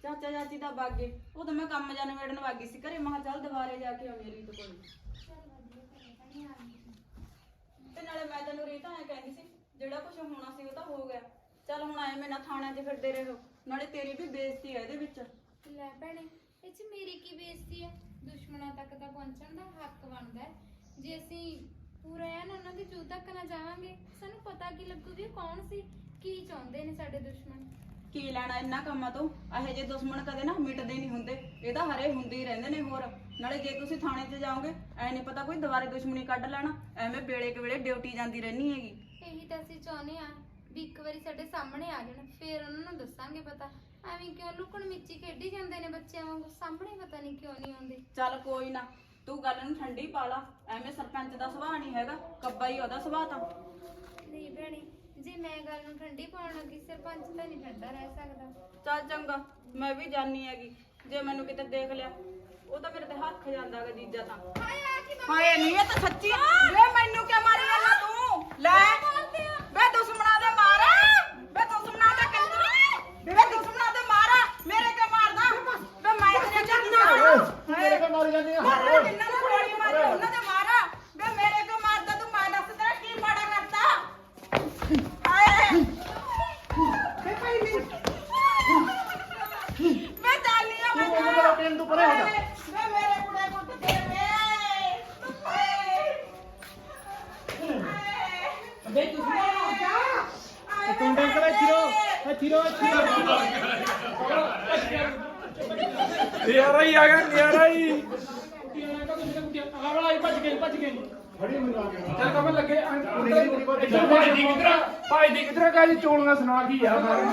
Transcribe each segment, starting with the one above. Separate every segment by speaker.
Speaker 1: ਚਾਚਾ ਚਾਚੀ ਤਾਂ ਵਗ ਗਏ। ਉਦੋਂ ਮੈਂ ਕੰਮ ਜਾਣ ਵੇੜਨ ਵਾਗੀ ਸੀ ਘਰੇ। ਮੈਂ ਕਿਹਾ ਚੱਲ ਦੁਬਾਰੇ ਜਾ ਕੇ ਆਉਣੀ ਰੀਤ ਕੋਲ। ਤੇ ਨਾਲੇ ਮੈਂ ਤੈਨੂੰ ਰੀਤ ਐ ਕਹਿੰਦੀ ਸੀ ਜਿਹੜਾ ਕੁਝ ਹੋਣਾ ਸੀ ਉਹ ਤਾਂ ਹੋ ਗਿਆ। ਚੱਲ ਹੁਣ ਐਵੇਂ ਨਾ ਥਾਣਿਆਂ 'ਚ ਫਿਰਦੇ ਰਹੋ, ਨਾਲੇ ਤੇਰੀ ਵੀ ਬੇਇੱਜ਼ਤੀ ਹੈ ਇਹਦੇ ਵਿੱਚ।
Speaker 2: ਲੈ ਭੈਣੇ, ਇਹ 'ਚ ਮੇਰੀ ਕੀ ਬੇਇੱਜ਼ਤੀ ਹੈ? ਦੁਸ਼ਮਣਾਂ ਤੱਕ ਤਾਂ ਪਹੁੰਚਣ ਦਾ ਹੱਕ ਬਣਦਾ ਹੈ। ਜੇ ਅਸੀਂ ਪੂਰਾ ਐਨ ਉਹਨਾਂ ਦੀ ਜੂਹ ਤੱਕ ਨਾ ਜਾਵਾਂਗੇ, ਸਾਨੂੰ ਪਤਾ ਕੀ ਲੱਗੂ ਵੀ ਕੌਣ ਸੀ, ਕੀ ਚਾਹੁੰਦੇ ਨੇ ਸਾਡੇ ਦੁਸ਼ਮਣ।
Speaker 1: ਕੀ ਲੈਣਾ ਇਹਨਾਂ ਕੰਮਾਂ ਤੋਂ? ਇਹੋ ਜਿਹੇ ਦੁਸ਼ਮਣ ਕਦੇ ਨਾ ਮਿਟਦੇ ਨਹੀਂ ਹੁੰਦੇ, ਇਹ ਤਾਂ ਹਰੇ ਹੁੰਦੇ ਹੀ ਰਹਿੰਦੇ ਨੇ। ਹੋਰ ਨਾਲੇ ਜੇ ਤੁਸੀਂ ਥਾਣੇ 'ਚ ਜਾਓਗੇ ਐ ਨਹੀਂ ਪਤਾ ਕੋਈ ਦੁਬਾਰੇ ਦੁਸ਼ਮਣੀ ਕੱਢ ਲੈਣਾ। ਐਵੇਂ ਵੇਲੇ ਕੁ ਵੇਲੇ ਡਿਊਟੀ ਜਾਂਦੀ ਰਹਿਣੀ ਹੈਗੀ।
Speaker 2: ਇਹੀ ਤਾਂ ਅਸੀਂ ਚਾਹੁੰਦੇ ਆ ਵੀ ਇੱਕ ਵਾਰੀ ਸਾਡੇ ਸਾਹਮਣੇ ਆ ਜਾਣ, ਫੇਰ ਉਹਨਾਂ ਨੂੰ ਦੱਸਾਂਗੇ ਪਤਾ। ਐਵੇਂ ਕਿਉਂ ਲੁਕਣ ਮਿੱਚੀ ਖੇਡੀ ਜਾਂਦੇ ਨੇ ਬੱਚਿਆਂ ਵਾਂਗੂ? ਸਾਹਮਣੇ ਪਤਾ ਨਹੀਂ ਕਿਉਂ ਨਹੀਂ ਆਉਂਦੇ।
Speaker 1: ਚੱਲ ਕੋਈ ਨਾ, ਤੂੰ ਗੱਲ ਨੂੰ ਠੰਡੀ ਪਾ ਲਾ। ਐਵੇਂ ਸਰਪੰਚ ਦਾ ਸੁਭਾਅ ਨਹੀਂ ਹੈਗਾ, ਕੱਬਾ ਹੀ ਉਹਦਾ ਸੁਭਾਅ ਤਾਂ।
Speaker 2: ਨਹੀਂ ਭੈਣੇ, ਜੇ ਮੈਂ ਗੱਲ ਨੂੰ ਠੰਡੀ ਪਾਉਣ ਲੱਗੀ, ਸਰਪੰਚ ਤਾਂ ਨਹੀਂ ਠੰਡਾ ਰਹਿ ਸਕਦਾ।
Speaker 1: ਚੱਲ ਚੰਗਾ, ਮੈਂ ਵੀ ਜਾਣੀ ਹੈਗੀ। ਜੇ ਮੈਨੂੰ ਕਿਤੇ ਦੇਖ ਲਿਆ ਉਹ ਤਾਂ ਮੇਰੇ ਤੇ ਹੱਥ ਜਾਂਦਾ ਗਾ ਜੀਜਾ ਤਾਂ। ਹਾਏ ਨਹੀਂ, ਇਹ ਤਾਂ ਸੱਚੀ ਵੇ। ਮੈਨੂੰ ਕਿਉਂ ਮਾਰੀ ਜਾਂਦਾ ਤੂੰ? ਲੈ ਵੇ ਦੁਸ਼ਮਣਾ ਦੇ ਮਾਰ, ਵੇ ਦੁਸ਼ਮਣਾ ਦੇ ਕੰਜਰ, ਵੇ ਦੁਸ਼ਮਣਾ ਦੇ ਮਾਰ। ਮੇਰੇ ਕਿਉਂ ਮਾਰਦਾ ਵੇ? ਮੈਂ ਤੇਰੇ ਚੱਲਣਾ
Speaker 3: ਮੇਰੇ ਕਿਉਂ ਮਾਰੀ ਜਾਂਦੀ ਆ?
Speaker 1: ਮਾਰ ਜਿੰਨਾਂ ਨੂੰ ਗੋਲੀ ਮਾਰੀ ਉਹਨਾਂ ਦੇ ਮਾਰ। ਵੇ ਮੇਰੇ ਕਿਉਂ ਮਾਰਦਾ ਤੂੰ? ਮੈਂ ਦੱਸ ਤੇਰਾ ਕੀ ਮਾੜਾ ਕਰਤਾ? ਹਾਏ ਵੇ ਭਾਈ ਨਹੀਂ, ਮੈਂ ਜਾਣੀ ਆ। ਮੈਂ
Speaker 3: ਮੇਰਾ ਟ੍ਰੇਨ ਤੋਂ ਪਰੇ ਹੋ ਜਾ।
Speaker 1: ਵੇ ਮੇਰੇ ਕੁੜੇ ਕੁੱਟ ਦੇ ਵੇ।
Speaker 3: ਬੇ ਤੁਸੀਂ ਤੂੰ ਡੰਕ ਲੈ ਚਿਰੋ
Speaker 4: ਨਿਆਰਾ ਹੀ ਆ ਗਿਆ, ਨਿਆਰਾ ਹੀ।
Speaker 3: ਭੱਜ ਗਏ ਫੜੀ ਮੈਨੂੰ ਆ ਗਿਆ।
Speaker 4: ਚੱਲ ਕਮਲ ਲੱਗੇ
Speaker 3: ਕਿਧਰ
Speaker 4: ਭਾਈ ਦੀ ਕਿਧਰ ਕਾ ਜੀ ਚੋਲੀਆਂ ਸੁਣਾ ਕੀ ਯਾਰ ਸਾਰੇ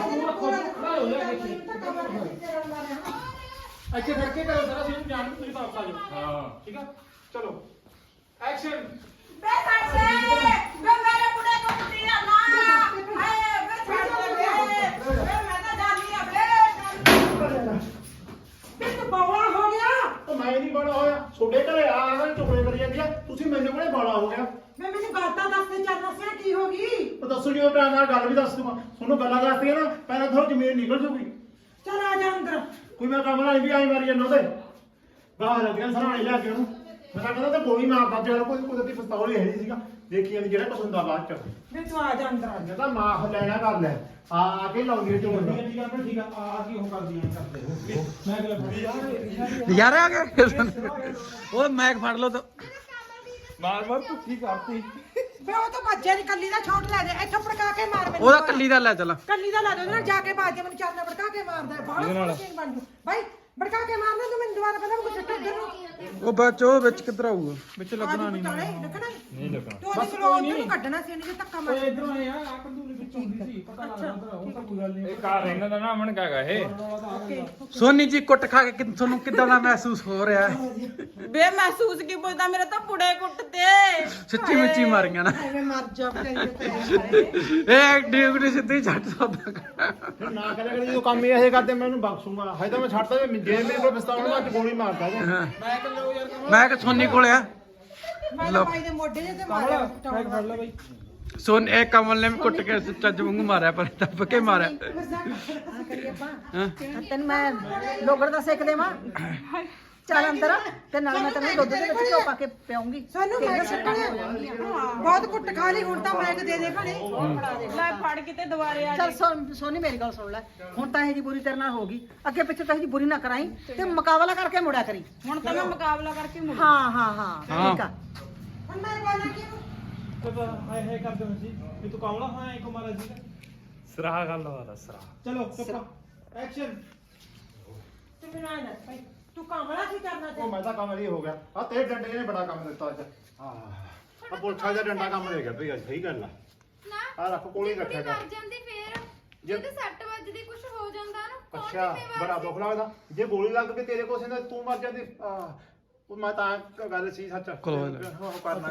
Speaker 3: ਅੱਛੇ ਫੜਕੇ ਕਰੋ ਸਾਰਾ ਸੀਨ ਜਾਣ ਤੁਸੀਂ ਵਾਪਸ ਆ ਜਾਓ।
Speaker 4: ਹਾਂ
Speaker 3: ਠੀਕ ਆ, ਚਲੋ ਐਕਸ਼ਨ।
Speaker 1: ਵੇ ਛੱਡ ਦੇ ਵੇ ਮੇਰੇ ਕੁੜੇ ਨੂੰ ਕੁੱਟੀ ਨਾ ਹਾਏ ਵੇ ਛੱਡ ਦੇ ਵੇ ਮੈਂ ਤਾਂ ਜਾਣੀ ਆ ਵੇ ਤੂੰ ਬਵਾਲ ਹੋ ਗਿਆ।
Speaker 3: ਉਹ ਮੈਂ ਨਹੀਂ ਬੜਾ ਹੋਇਆ, ਛੋਡੇ ਘਰੇ ਆ ਕੇ ਟੁਕੜੇ ਕਰੀ ਜਾਂਦੀ ਆ। ਤੁਸੀਂ ਮੈਨੂੰ ਕੋਲੇ ਬਾਲਾ ਹੋ ਗਿਆ।
Speaker 1: ਮੈਂ ਮੈਨੂੰ ਗੱਲ ਤਾਂ ਦੱਸ ਦੇ, ਚੱਲ ਦੱਸਿਆ ਕੀ ਹੋ ਗਈ?
Speaker 3: ਉਹ ਦੱਸੋ ਜੀ, ਉਹ ਟਾਈਮ ਨਾਲ ਗੱਲ ਵੀ ਦੱਸ ਦੂੰਗਾ ਤੁਹਾਨੂੰ। ਗੱਲਾਂ ਦੱਸਦੀਆਂ ਨਾ ਪਹਿਲਾਂ ਥੋੜੀ ਜ਼ਮੀਨ ਨਿਕਲ ਜੂਗੀ।
Speaker 1: ਚੱਲ ਆ ਜਾ ਅੰਦਰ।
Speaker 3: ਕੋਈ ਮੈਂ ਕੰਮ ਨਾਲ ਵੀ ਆਈ ਮਾਰੀ ਜਾਂਦਾ ਉਹਦੇ ਬਾਹਰ ਲੱਗਿਆ ਸਰਾਣੇ ਲਿਆ ਕੇ ਉਹਨੂੰ। ਮੈਂ ਤਾਂ ਕਹਿੰਦਾ ਤੇ ਗੋਲੀ ਮਾਰ ਦਿੱਤੀ ਉਹਨੂੰ। ਕੋਈ ਕੁਦਰਤੀ ਪਿਸਤੌਲ ਹੀ ਹੈ ਨਹੀਂ ਸੀਗਾ। ਦੇਖੀ ਜਾਂਦੀ ਜਿਹੜਾ ਕੁਛ ਹੁੰਦਾ ਬਾਅਦ ਚ।
Speaker 1: ਵੇ ਤੂੰ ਆ ਜਾ ਅੰਦਰ।
Speaker 3: ਮੈਂ ਤਾਂ ਮਾਫ ਲੈਣਾ ਕਰ ਲੈ ਆ ਕੇ ਲਾਉਂਦੀ ਝੋਲ।
Speaker 5: ਠੀਕ ਆ ਕੀ ਉਹ ਕਰਦੀਆਂ ਕਰਦੇ ਮੈਂ ਅਗਲਾ ਫੜੀ
Speaker 4: ਯਾਰ ਆ ਗਿਆ ਉਹ ਮੈਕ ਫੜ ਲਓ ਤਾਂ ਮਾਰ ਭੁੱਖੀ ਕਰਤੀ।
Speaker 6: ਵੇ ਉਹ ਤਾਂ ਭੱਜਿਆ ਨਹੀਂ, ਕੱਲੀ ਦਾ ਛੋਟ ਲੈ ਦੇ ਇੱਥੋਂ ਭੜਕਾ ਕੇ ਮਾਰ ਮੈਨੂੰ।
Speaker 4: ਉਹਦਾ ਕੱਲੀ ਦਾ ਲੈ ਚੱਲ।
Speaker 6: ਕੱਲੀ ਦਾ ਲਾ ਦੇ, ਉਹਦੇ ਨਾਲ ਜਾ ਕੇ ਬਾਜ ਕੇ ਮੈਨੂੰ ਚਾਰਨਾ ਭੜਕਾ ਕੇ ਮਾਰਦਾ ਬਾਹਰ ਸੀਨ ਬਣ ਜੂ ਬਾਈ। ਭੜਕਾ ਕੇ ਮਾਰਨਾ ਤੂੰ ਮੈਨੂੰ ਦੁਬਾਰਾ ਪਤਾ ਮੈਨੂੰ ਕਿੱਥੇ ਇੱਧਰ ਨੂੰ
Speaker 4: ਉਹ ਬੱਚ ਉਹ ਵਿੱਚ ਕਿੱਧਰ ਆਊਗਾ? ਵਿੱਚ ਲੱਗਣਾ ਨਹੀਂ।
Speaker 6: ਨਹੀਂ ਲੱਗਣਾ ਤੂੰ ਉਹਦੀ ਸਲੋ ਉੱਧਰ ਨੂੰ ਕੱਢਣਾ ਸੀ, ਇਹਨੇ ਧੱਕਾ ਮਾਰ।
Speaker 5: ਇਧਰੋਂ ਆਏ ਆ ਕੰਦੂਲੀ ਵਿੱਚ ਹੁੰਦੀ ਸੀ, ਪਤਾ ਲੱਗਦਾ ਉਧਰ ਉਹ ਤਾਂ ਕੋਈ ਗੱਲ ਨਹੀਂ।
Speaker 4: ਇਹ ਕਾਰ ਇਹਨਾਂ ਦਾ ਨਾ ਅਮਨ ਕਾਗਾ ਇਹ ਸੋਨੀ ਜੀ ਕੁੱਟ ਖਾ ਕੇ ਤੁਹਾਨੂੰ ਕਿੱਦਾਂ ਦਾ ਮਹਿਸੂਸ ਹੋ ਰਿਹਾ ਹੈ?
Speaker 1: ਵੇ ਮਹਿਸੂਸ ਕੀ ਪੁੱਛਦਾ? ਮੇਰੇ ਤਾਂ ਪੁੜੇ ਕੁੱਟਦੇ।
Speaker 4: ਸੱਚੀ ਮੁੱਚੀ ਮਾਰੀਆਂ ਨਾ
Speaker 6: ਐਵੇਂ ਮਰ ਜਾ ਬਚਾਈ।
Speaker 4: ਇਹ ਡਿਊਟੀ ਸਿੱਧੀ ਛੱਡ ਸਕਦਾ।
Speaker 3: ਫਿਰ ਨਾ ਕਰਿਆ ਕਰੀ, ਜਦੋਂ ਕੰਮ ਹੀ ਇਹ ਕਰਦੇ ਮੈਂ ਇਹਨੂੰ ਬਖਸ਼ੂਗਾ। ਹਜੇ ਤਾਂ ਮੈਂ ਛੱਡਦਾ ਜੇ ਮੇਰੇ ਕੋਲ ਪਿਸਤੌਲ ਨਾਲ ਗੋਲੀ ਮਾਰਦਾ ਉਹ।
Speaker 4: ਮੈਂ ਕਿ ਸੋਨੀ ਕੋਲ ਆ
Speaker 6: ਮੈਂ ਤਾਂ ਬਾਈ ਦੇ ਮੋਢੇ ਜੇ ਤੇ ਮਾਰਿਆ
Speaker 5: ਫੜ ਲੈ ਬਾਈ।
Speaker 4: ਸੋਨ ਇਹ ਕਮਲ ਨੇ ਵੀ ਕੁੱਟ ਕੇ ਚੱਜ ਵਾਂਗੂ ਮਾਰਿਆ, ਪਰ ਦੱਬ ਕੇ ਮਾਰਿਆ।
Speaker 6: ਤੈਨੂੰ ਮੈਂ ਲੋਗੜ ਦਾ ਸੇਕ ਦੇਵਾਂ। ਚੱਲ ਅੰਦਰ ਤੇ ਨਾਲ ਮੈਂ ਤੈਨੂੰ ਦੁੱਧ ਦੇ ਵਿੱਚ ਘਿਓ ਪਾ ਕੇ ਪਿਆਉਂਗੀ। ਸਾਨੂੰ ਮੈਂ ਬਹੁਤ ਕੁੱਟ ਖਾ ਲਈ, ਹੁਣ ਤਾਂ ਮੈਂ ਦੇ ਦੇ ਭਣੇ।
Speaker 1: ਲੈ ਫੜ ਕੇ ਤੇ ਦੁਬਾਰੇ ਆ
Speaker 6: ਚੱਲ ਸੋਨੀ ਮੇਰੀ ਗੱਲ ਸੁਣ ਲੈ, ਹੁਣ ਤਾਂ ਇਹ ਜੀ ਬੁਰੀ ਤੇਰੇ ਨਾਲ ਹੋ ਗਈ, ਅੱਗੇ ਪਿੱਛੇ ਤਾਂ ਇਹ ਜੀ ਬੁਰੀ ਨਾ ਕਰਾਈ ਤੇ ਮੁਕਾਬਲਾ ਕਰਕੇ ਮੁੜਿਆ ਕਰੀ।
Speaker 1: ਹੁਣ ਤਾਂ ਮੈਂ ਮੁਕਾਬਲਾ ਕਰਕੇ ਮੁੜ।
Speaker 6: ਹਾਂ ਠੀਕ ਆ।
Speaker 1: ਹੁਣ ਮੈਂ ਬੋਲਾਂ ਕਿ
Speaker 5: ਪਤਾ ਹਾਏ ਕਰਦੇ ਹੋ ਸੀ ਵੀ ਤੂੰ ਕਾਮਲਾ ਹੋਇਆ ਇੱਕ ਮਾਰਾ ਜੀ।
Speaker 4: ਸਰਾਹ ਗੱਲ ਵਾਲਾ ਸਰਾਹ।
Speaker 5: ਚਲੋ ਪੱਕਾ ਐਕਸ਼ਨ।
Speaker 6: ਤੂੰ ਮੈਨੂੰ ਆਇਆ ਭਾਈ, ਤੂੰ ਕਾਮਲਾ ਕੀ ਕਰਨਾ
Speaker 3: ਉਹ ਮੈਂ ਤਾਂ ਕੰਮ ਲਈ ਹੋ ਗਿਆ। ਆ ਤੇਰੇ ਡੰਡੇ ਨੇ ਬੜਾ ਕੰਮ ਦਿੱਤਾ ਅੱਜ। ਆ ਪੁਲਛਾ ਦਾ ਡੰਡਾ ਕੰਮ ਦੇ ਗਿਆ ਭਈ ਅੱਜ। ਸਹੀ ਗੱਲ ਆ।
Speaker 2: ਨਾ
Speaker 3: ਆ ਰੱਖ ਕੋਲੇ
Speaker 2: ਜੇ
Speaker 3: ਰੱਖਿਆ
Speaker 2: ਕੁੜੀ
Speaker 3: ਕਰ।
Speaker 2: ਮਰ ਜਾਂਦੀ ਫੇਰ, ਜਦੋਂ ਸੱਟ ਵੱਜਦੀ ਕੁਝ ਹੋ ਜਾਂਦਾ ਨਾ, ਕੌਣ
Speaker 3: ਅੱਛਾ
Speaker 2: ਜ਼ਿੰਮੇਵਾਰ
Speaker 3: ਬੜਾ
Speaker 2: ਸੀ?
Speaker 3: ਦੁੱਖ ਲੱਗਦਾ ਜੇ ਗੋਲੀ ਲੱਗ ਕੇ ਤੇਰੇ ਕੋਲ ਸਿੰਦਾ ਤੂੰ ਮਰ ਜਾਂਦੀ। ਉਹ ਮੈਂ ਤਾਂ ਗੱਲ ਸੀ ਸੱਚ। ਉਹ ਕਰਨਾ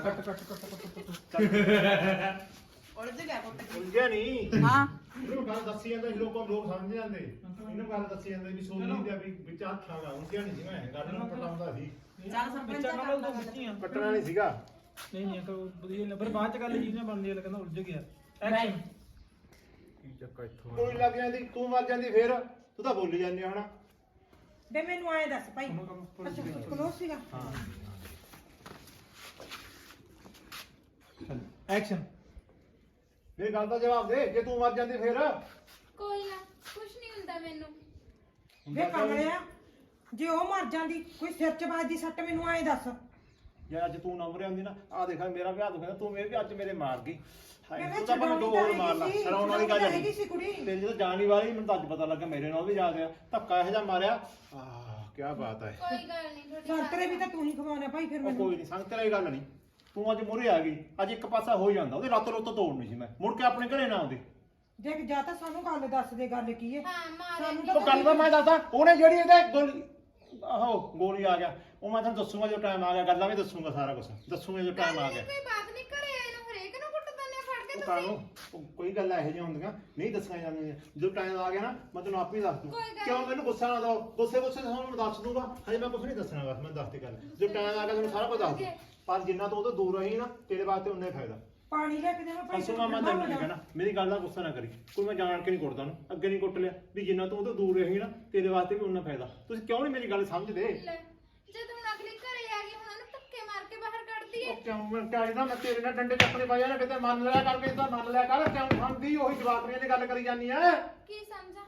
Speaker 1: ਉਲਝ ਗਿਆ ਪੁੱਤ।
Speaker 3: ਉਲਝਿਆ ਨਹੀਂ।
Speaker 1: ਹਾਂ
Speaker 3: ਇਹਨੂੰ ਗੱਲ ਦੱਸੀ ਜਾਂਦਾ ਸੀ, ਲੋਕ ਸਮਝ ਜਾਂਦੇ। ਇਹਨੂੰ ਗੱਲ ਦੱਸੀ ਜਾਂਦੇ ਵੀ ਸੋਨੀ ਦੇ ਵੀ ਵਿੱਚ ਹੱਥ ਲਾਗਾ। ਉਲਝਿਆ ਨਹੀਂ ਸੀ ਮੈਂ, ਗੱਲ ਨੂੰ ਪਟਾਉਂਦਾ ਸੀ।
Speaker 1: ਚੱਲ ਸਰਪੰਚ
Speaker 5: ਬੱਚਾ ਨਾਲ ਤੋਂ ਬੱਚੀਆਂ
Speaker 3: ਕੱਟਣਾ ਨਹੀਂ ਸੀਗਾ।
Speaker 5: ਨਹੀਂ ਕੋਈ ਵਧੀਆ ਨਹੀਂ, ਪਰ ਬਾਅਦ ਚ ਗੱਲ ਜੀ ਨਾ ਬਣਦੀ ਹੈ, ਕਹਿੰਦਾ ਉਲਝ ਗਿਆ। ਐਕਸ਼ਨ।
Speaker 3: ਕੀ ਚੱਕਰ ਇੱਥੋਂ ਗੋਲੀ ਲੱਗ ਜਾਂਦੀ ਤੂੰ ਮਰ ਜਾਂਦੀ ਫੇਰ ਤੂੰ ਤਾਂ ਬੋਲੀ ਜਾਂਦੀ ਹੁਣ।
Speaker 6: ਵੇ ਮੈਨੂੰ ਐਂ ਦੱਸ ਭਾਈ ਅੱਛਾ ਕਲੋਸ ਸੀਗਾ
Speaker 5: ਐਕਸ਼ਨ।
Speaker 3: ਮੇਰੀ ਗੱਲ ਦਾ ਜਵਾਬ ਦੇ, ਜੇ ਤੂੰ ਮਰ ਜਾਂਦੀ ਫੇਰ
Speaker 2: ਕੋਈ ਨਾ ਕੁਛ ਨਹੀਂ ਹੁੰਦਾ ਮੈਨੂੰ।
Speaker 6: ਵੇ ਕਮਲਿਆ ਜੇ ਉਹ ਮਰ ਜਾਂਦੀ ਕੋਈ ਸਿਰ ਚ ਵੱਜਦੀ ਸੱਟ ਮੈਨੂੰ ਐਂ ਦੱਸ
Speaker 3: ਜੇ ਅੱਜ ਤੂੰ ਨਾ ਮਰਿਆ ਹੁੰਦੀ ਨਾ, ਆ ਦੇਖ ਮੇਰਾ ਵਿਆਹ ਦੁਖਦਾ, ਤੂੰ ਇਹ ਵੀ ਅੱਜ ਮੇਰੇ ਮਾਰ ਗਈ। ਹਾਏ
Speaker 6: ਮੈਂ
Speaker 3: ਤੂੰ ਤਾਂ ਮੈਨੂੰ ਦੋ ਹੋਰ ਮਾਰ ਲਾ, ਸਰਾਉਣ ਵਾਲੀ ਗੱਲ
Speaker 6: ਹੈਗੀ ਸੀ ਕੁੜੀ
Speaker 3: ਤੇਰੀ ਜਦੋਂ ਜਾਣੀ ਵਾਲੀ ਮੈਨੂੰ ਤਾਂ ਅੱਜ ਪਤਾ ਲੱਗਾ ਮੇਰੇ ਨਾਲ ਵੀ ਜਾ ਗਿਆ ਧੱਕਾ ਇਹੋ ਜਿਹਾ ਮਾਰਿਆ। ਆਹ ਕੀ ਬਾਤ ਹੈ।
Speaker 2: ਕੋਈ ਗੱਲ ਨਹੀਂ ਤੁਹਾਡੀ
Speaker 6: ਸੰਤਰੇ ਵੀ ਤਾਂ ਤੂੰ ਹੀ ਖਵਾਉਣਾ ਭਾਈ ਫਿਰ
Speaker 3: ਉਹ
Speaker 6: ਮੈਨੂੰ
Speaker 3: ਕੋਈ ਨਹੀਂ ਸੰਗ ਤੇਰੀ ਗੱਲ ਨਹੀਂ, ਤੂੰ ਅੱਜ ਮੁਰੇ ਆ ਗਈ, ਅੱਜ ਇੱਕ ਪਾਸਾ ਹੋ ਜਾਂਦਾ, ਉਹਦੀ ਲੱਤ ਲੁੱਤ ਤੋੜਨੀ ਸੀ ਮੈਂ, ਮੁੜ ਕੇ ਆਪਣੇ ਘਰੇ ਨਾ ਆਉਂਦੀ।
Speaker 6: ਦੇਖ ਜਾਂ ਤਾਂ ਸਾਨੂੰ ਗੱਲ ਦੱਸ ਦੇ ਗੱਲ ਕੀ ਹੈ
Speaker 2: ਹਾਂ ਮਾਰੇ
Speaker 6: ਸਾਨੂੰ
Speaker 3: ਉਹ ਗੱਲ ਤਾਂ ਮੈਂ ਦੱਸਦਾ, ਉਹਨੇ ਜਿਹੜੀ ਇਹਦੇ ਗੋਲੀ ਗੋਲੀ ਆ ਗਿਆ, ਉਹ ਮੈਂ ਤੁਹਾਨੂੰ ਦੱਸੂਗਾ ਜਦੋਂ ਟਾਈਮ ਆ ਗਿਆ, ਗੱਲਾਂ ਵੀ ਦੱਸੂਗਾ, ਸਾਰਾ ਕੁਝ ਦੱਸੂਗਾ ਜਦੋਂ ਟਾਈਮ ਆ ਗਿਆ।
Speaker 2: ਕੋਈ ਬਾਤ ਨਹੀਂ ਘਰੇ ਆਏ ਨੂੰ ਹਰੇਕ ਨੂੰ ਕੁੱਟ ਦਿੰਦੇ ਫੜ ਕੇ
Speaker 3: ਉਹ
Speaker 2: ਤੁਸੀਂ।
Speaker 3: ਕਾਹਨੂੰ ਕੋਈ ਗੱਲ ਇਹੋ ਜਿਹੀਆਂ ਹੁੰਦੀਆਂ ਨਹੀਂ ਦੱਸੀਆਂ ਜਾਂਦੀਆਂ, ਜਦੋਂ ਟਾਈਮ ਆ ਗਿਆ ਨਾ ਮੈਂ ਤੈਨੂੰ ਆਪੇ ਦੱਸ ਦੂੰ।
Speaker 2: ਕੋਈ ਗੱਲ
Speaker 3: ਕਿਉਂ ਮੈਨੂੰ ਗੁੱਸਾ ਨਾ ਦਿਓ, ਗੁੱਸੇ ਤੁਹਾਨੂੰ ਮੈਂ ਦੱਸ ਦੂੰਗਾ, ਹਜੇ ਮੈਂ ਕੁਝ ਨਹੀਂ ਦੱਸਣਾ, ਬਸ ਮੈਂ ਦੱਸਦੀ ਗੱਲ, ਜਦੋਂ ਟਾਈਮ ਆ ਗਿਆ ਤੁਹਾਨੂੰ ਸਾਰਾ ਕੁਝ ਦੱਸ ਦੂੰ। ਪਰ ਜਿੰਨਾ ਤੂੰ ਉਹ ਤੋਂ ਦੂਰ ਰਹੀ ਨਾ, ਤੇਰੇ ਵਾਸਤੇ ਉਨਾ ਹੀ ਫਾਇਦਾ।
Speaker 6: ਪਾਣੀ ਲੈ ਕੇ ਦੇਵਾਂ ਭਾਈ
Speaker 3: ਅਸੂ ਮਾਮਾ ਤੈਨੂੰ ਨਹੀਂ ਕਹਿਣਾ, ਮੇਰੀ ਗੱਲ ਦਾ ਗੁੱਸਾ ਨਾ ਕਰੀ, ਕੋਈ ਮੈਂ ਜਾਣ ਕੇ ਨਹੀਂ ਕੁੱਟਦਾ ਉਹਨੂੰ, ਅੱਗੇ ਨਹੀਂ ਕੁੱਟ ਲਿਆ, ਵੀ ਜਿੰਨਾ ਤੂੰ ਉਹ ਤੋਂ ਦੂਰ ਰਹੀ ਨਾ, ਤੇਰੇ ਵਾਸਤੇ ਵੀ ਉਨਾ ਫਾਇਦਾ। ਤੁਸੀਂ ਕਿਉਂ ਨਹੀਂ ਮੇਰੀ ਗੱਲ ਸਮਝਦੇ?
Speaker 2: ਲੈ, ਜਦੋਂ ਹੁਣ ਅਗਲੀ ਘਰੇ ਆ ਗਈ ਹੁਣ ਉਹਨੂੰ ਧੱਕੇ ਮਾਰ ਕੇ ਬਾਹਰ ਕੱਢ ਦਈਏ।
Speaker 3: ਉਹ ਕਿਉਂ ਮੈਂ ਕਹਿੰਦਾ ਮੈਂ ਤੇਰੇ ਨਾਲ ਡੰਡੇ ਚੱਕਣੇ ਪਾਇਆ ਨਾ, ਕਿਤੇ ਮੰਨ ਲਿਆ ਕਰਕੇ ਤਾਂ ਮੰਨ ਲਿਆ ਕਰ, ਕਿਉਂ ਸਮਝਦੀ ਉਹੀ ਜਵਾਕਰੀਆਂ ਦੀ ਗੱਲ ਕਰੀ ਜਾਂਦੀ ਐ।
Speaker 2: ਕੀ ਸਮਝਾਂ?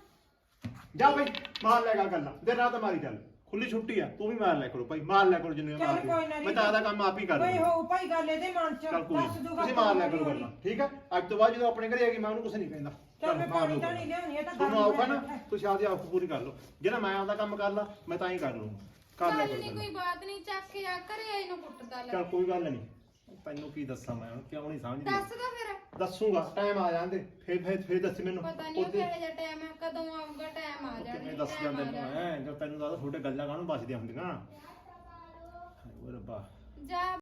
Speaker 3: ਜਾ ਬਈ ਮਾਰ ਲੈ ਗੱਲਾਂ, ਦਿਨ ਰਾਤ ਮਾਰੀ ਚੱਲ, ਖੁੱਲੀ ਛੁੱਟੀ ਆ, ਤੂੰ ਵੀ ਮਾਰ ਲਿਆ ਕਰੋ ਭਾਈ, ਮਾਰ ਲਿਆ ਕਰੋ ਜਿੰਨੇ
Speaker 6: ਚੱਲ
Speaker 3: ਮਾਰਦੇ
Speaker 6: ਕੋਈ ਨਾ
Speaker 3: ਮੈਂ ਤਾਂ ਆਦਾ ਕੰਮ ਆਪ ਹੀ ਕਰ
Speaker 6: ਕੋਈ
Speaker 3: ਲੂੰਗਾ।
Speaker 6: ਹੋ ਭਾਈ ਗੱਲ ਇਹਦੇ ਮਨ ਚ
Speaker 3: ਚੱਲ ਕੋਈ
Speaker 6: ਦੱਸ
Speaker 3: ਨੀ,
Speaker 6: ਦੂਗਾ
Speaker 3: ਤੁਸੀਂ ਮਾਰ ਲਿਆ ਕਰੋ ਗੱਲਾਂ, ਠੀਕ ਆ? ਅੱਜ ਤੋਂ ਬਾਅਦ ਜਦੋਂ ਆਪਣੇ ਘਰੇ ਆ ਗਈ ਮੈਂ ਉਹਨੂੰ ਕੁਝ ਨਹੀਂ ਕਹਿੰਦਾ।
Speaker 6: ਚੱਲ ਮੈਂ
Speaker 3: ਮਾਰ
Speaker 6: ਪਾਣੀ
Speaker 3: ਲਓ
Speaker 6: ਤਾਂ ਨਹੀਂ ਲਿਆਉਣੀ, ਇਹ ਤਾਂ
Speaker 3: ਤੁਹਾਨੂੰ ਆਊਗਾ ਨਾ,
Speaker 6: ਬੈਠਾ।
Speaker 3: ਤੁਸੀਂ ਆਪਦੀ ਆਪ ਪੂਰੀ ਕਰ ਲਓ, ਜਿਹੜਾ ਮੈਂ ਆਪਦਾ ਕੰਮ ਕਰ ਲਾ ਮੈਂ ਤਾਂ ਹੀ ਕਰ ਲੂੰਗਾ, ਕਰ ਲਿਆ
Speaker 2: ਗੱਲ
Speaker 3: ਕਰੋ
Speaker 2: ਨਹੀਂ
Speaker 3: ਗੱਲਾਂ।
Speaker 2: ਕੋਈ ਬਾਤ ਨਹੀਂ, ਚੱਕ ਕੇ ਆ ਘਰੇ ਆਏ ਨੂੰ ਕੁੱਟਦਾ ਲੈ।
Speaker 3: ਚੱਲ ਕੋਈ ਗੱਲ ਨਹੀਂ, ਤੈਨੂੰ ਕੀ ਦੱਸਾਂ ਮੈਂ ਹੁਣ, ਕਿਉਂ ਨਹੀਂ ਸਮਝਦੀ?
Speaker 2: ਦੱਸ ਦੋ ਫਿਰ।
Speaker 3: ਦੱਸੂਗਾ, ਟਾਈਮ ਆ ਜਾਂਦੇ ਫੇਰ ਦੱਸ ਮੈਨੂੰ।
Speaker 2: ਪਤਾ ਨਹੀਂ ਉਹ ਕਿਹੋ ਜਿਹਾ ਟਾਈਮ ਹੈ, ਕਦੋਂ ਆਊਗਾ ਟਾਈਮ ਆ ਜਾਣਾ।
Speaker 3: ਕਿਵੇਂ ਦੱਸ ਜਾਂਦੇ ਨੇ ਜਦ ਤੈਨੂੰ ਦੱਸ ਤੁਹਾਡੇ ਗੱਲਾਂ ਕਾਹਨੂੰ ਬਚਦੀਆਂ ਹੁੰਦੀਆਂ। ਹਾਏ ਓਏ ਰੱਬਾ।
Speaker 2: ਜਾ